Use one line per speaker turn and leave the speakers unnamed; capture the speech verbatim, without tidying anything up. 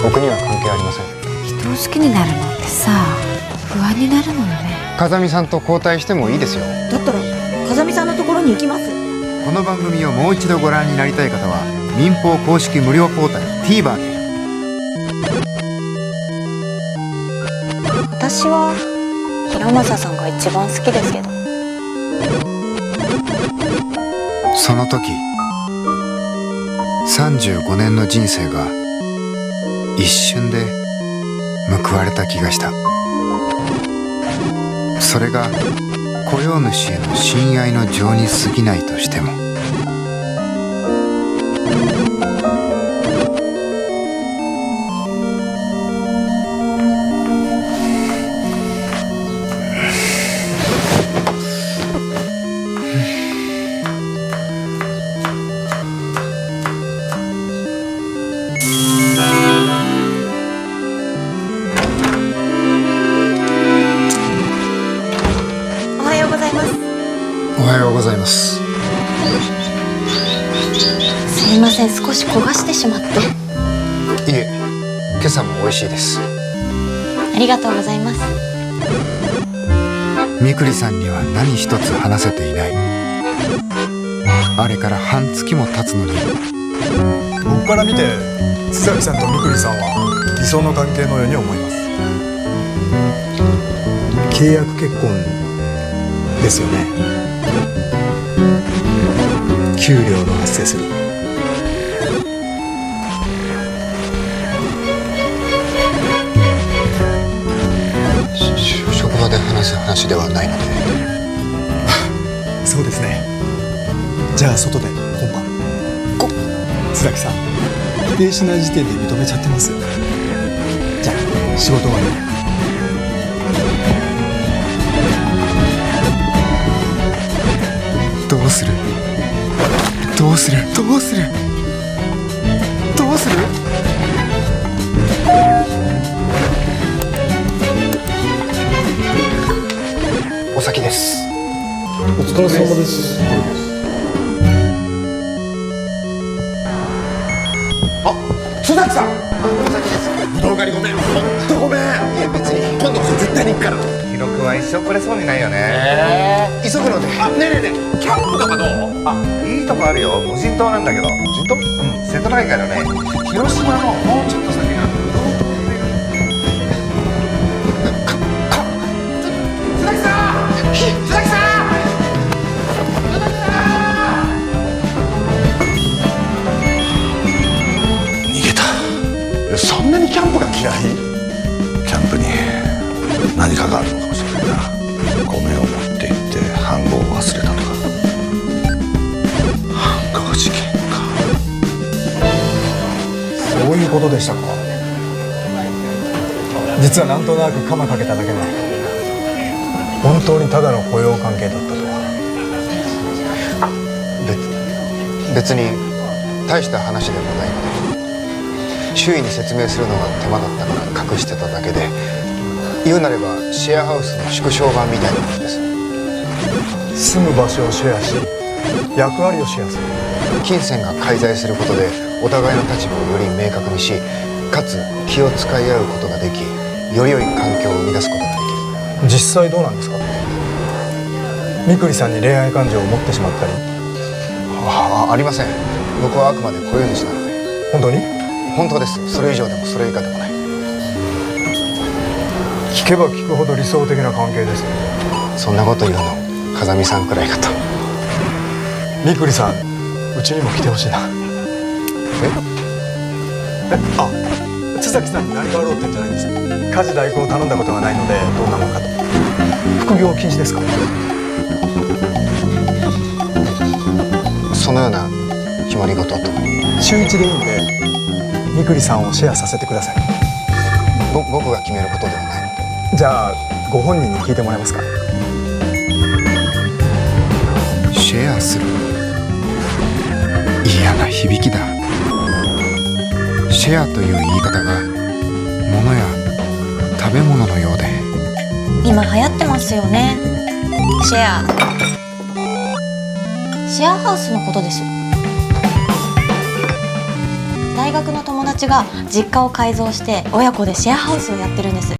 僕には関係ありません。
人を好きになるのってさ、不安になるのよね。
風見さんと交代してもいいですよ。
だったら風見さんのところに行きます。
この番組をもう一度ご覧になりたい方は民放公式無料ポータル TVer で。
私は平正さんが一番好きですけど。
その時さんじゅうごねんの人生が一瞬で報われた気がした。それが雇用主への親愛の情に過ぎないとしても、
おはようございます。
おはようございます。
すいません、少し焦がしてしまって。
いえ、今朝も美味しいです。
ありがとうございます。
みくりさんには何一つ話せていない。あれから半月も経つのに。
僕から見て津崎さんとみくりさんは理想の関係のように思います。契約結婚ですよね。給料の発生する。
し職場で話す話ではないので。
そうですね。じゃあ外で今晩。こ津崎さん否定しない時点で認めちゃってます。じゃあ仕事終わり。
どうするどうするどうするどうする。
お先です。
お疲れ様です。
津崎さん、お先です。ぶどう狩りごめん、ほんとごめん。いや別に今度こそ絶対に行くから。
ヒロ君は一生来れそうにないよね。
えー、急ぐので。あ、ねえねえねえ、キャンプとかどう？
あ、いいとこあるよ。無人島なんだけど。無人島？うん、瀬戸内海のね、広島のもうちょっと先がぶどうとかか津崎さん、津崎さん、
そんなにキャンプが嫌い？キャンプに何かがあるのかもしれないな。米を持って行って飯盒を忘れたとか。飯盒事件か。
そういうことでしたか。実はなんとなく鎌かけただけで本当にただの雇用関係だったとは。
別に大した話でもないので、周囲に説明するのが手間だったから隠してただけで、言うなればシェアハウスの縮小版みたいなものです。
住む場所をシェアし役割をシェアする。
金銭が介在することでお互いの立場をより明確にし、かつ気を使い合うことができ、より良い環境を生み出すことができる。
実際どうなんですか。みくりさんに恋愛感情を持ってしまったり。
あ, ありません。僕はあくまで雇用主なので。
本当に？
本当です。それ以上でもそれ以下でもない。
聞けば聞くほど理想的な関係です。
そんなこと言うの風見さんくらいかと。
みくりさん、うちにも来てほしいな。ええあ津崎さんに何かあろうってんじゃないんです。家事代行を頼んだことがないのでどんなもんかと。副業禁止ですか。
そのような決まり事と。
週一でいいんでみくりさんをシェアさせてください。
ぼ僕が決めることではないので。
じゃあご本人に聞いてもらえますか。
シェアする。嫌な響きだ。シェアという言い方が物や食べ物のようで。
今流行ってますよね、シェア。シェアハウスのことです。 大学の友達が実家を改造して親子でシェアハウスをやってるんです。